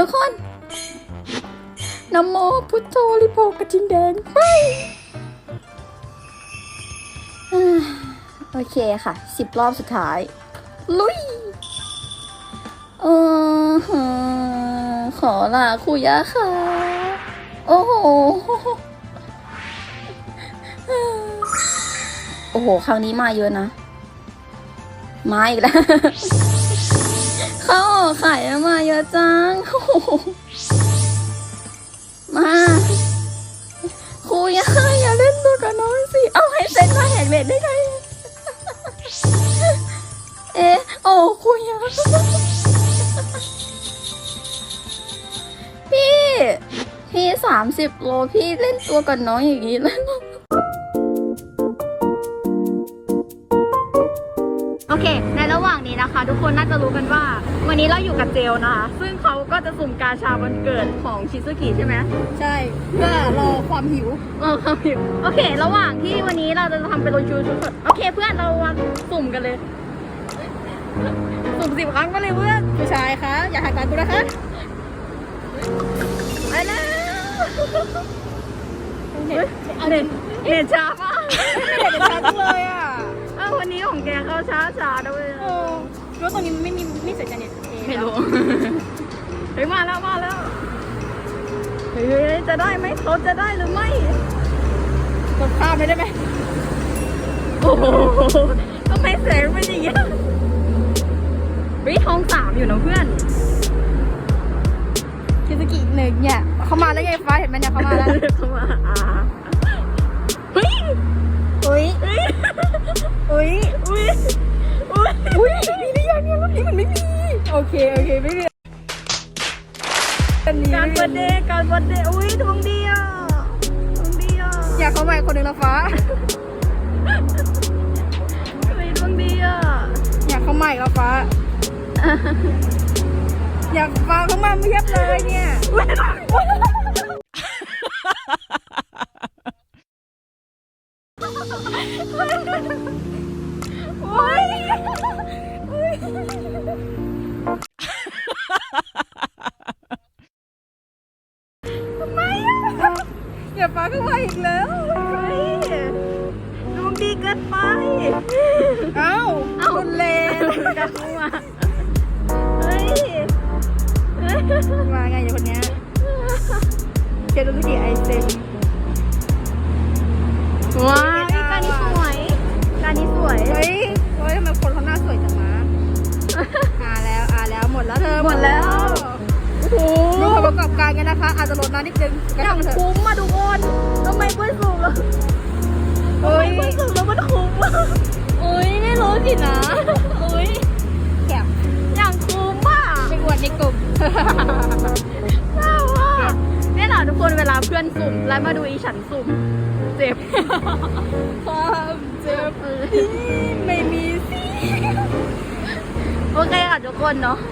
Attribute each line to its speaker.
Speaker 1: ทุกคนนะโมพุทโธริโภกระทิงแดงไปโอเคค่ะ10 รอบสุดท้ายลุยขอลาครูยะค่ะโอ้โหโอ้โหครั้งนี้มาเยอะนะมาอีกแล้วเข้าขายมาเยอะจังมาครูยะอย่าเล่นตัวกับน้องสิเอาให้เซ็นมาแหกเลทได้ไงโอ้ครูยะพี่30 โลพี่เล่นตัวกับน้องอย่างนี้แล้วโอเคในระหว่างนี้นะคะทุกคนน่าจะรู้กันว่าวันนี้เราอยู่กับเจลนะคะซึ่งเขาก็จะสุ่มกาชาวันเกิดของชิซุกิใช่ไหม
Speaker 2: ใช่เพื่อรอความหิว
Speaker 1: โอเคระหว่างที่วันนี้เราจะทำเป็นโรชูชุดโอเคเพื่อนเรามาสุ่มกันเลยสุ่ม10 ครั้งไปเลยเพื่อน
Speaker 2: ผู้ชายคะอย่าหักตากูนะคะ
Speaker 1: ไปแล้วเน็ตช้ามาก
Speaker 2: ไม่เด็ดช้าจังเลยอ่ะ
Speaker 1: วันนี้ของแกเข้าช้าด้วย
Speaker 2: รู้ตรงนี้ไม่เสร็จจะเน็ต
Speaker 1: ไม่รู้เฮ้ยมาแล้วเฮ้ยจะได้ไหมเขาจะได้หรือไม่
Speaker 2: กดข้ามไปได้ไหม
Speaker 1: โอ้โหทำไมแสงเป็นอย่างนี้ท้อง3อยู่นะเพื่อน
Speaker 2: คิซุกิ1เนี่ยเขามาแล้วไงฟ้าเห็นไหมเนี่ยเขามาแล้ว
Speaker 1: เขามาเฮ้ย
Speaker 2: มีหรือยังเนี่ยรุ่นนี้มันไม่มีโอเคไม่มี
Speaker 1: การเบอร์เดย์ดวงดีอ่ะ
Speaker 2: อยากเข้ามาคนหนึ่งละฟ้า
Speaker 1: ดวงดีอ่ะ
Speaker 2: อยากเข้ามาอีกละฟ้าอยากฟ้าเข้ามาเพียบเลยเนี่ย
Speaker 1: ทำไม
Speaker 2: อย่าฟ้าเข้ามาอีกแล้ว
Speaker 1: ดวงดีเกินไป
Speaker 2: คุณเลน
Speaker 1: จะเข้ามา
Speaker 2: มาไงอย่างคนนี้เจดูสิไอเซน
Speaker 1: ว้าวการนี้สวย
Speaker 2: เฮ้ยทำไมคนเขาหน้าสวยจังวะแล้วหมดแล้วเธอ
Speaker 1: หมดแล้ว
Speaker 2: โอ้โหดูผลประกอบการกันนะคะอาจจะลดน้ำนิดนึง
Speaker 1: อย่างคุ้มมาทุกคนทำไมเพื่อนสูงแล้วมันคุ้มไม่รู้สินะ
Speaker 2: แก็บ
Speaker 1: อย่างคุ้มอ่ะ
Speaker 2: ไปอวดในกลุ่ม
Speaker 1: น่าว่าเนี่ยแหละทุกคนเวลาเพื่อนสุ่มแล้วมาดูอีฉันสุ่มเจ็บ
Speaker 2: ความเจ็บไม่มีสิ
Speaker 1: โอเคค่ะทุกคนเนาะ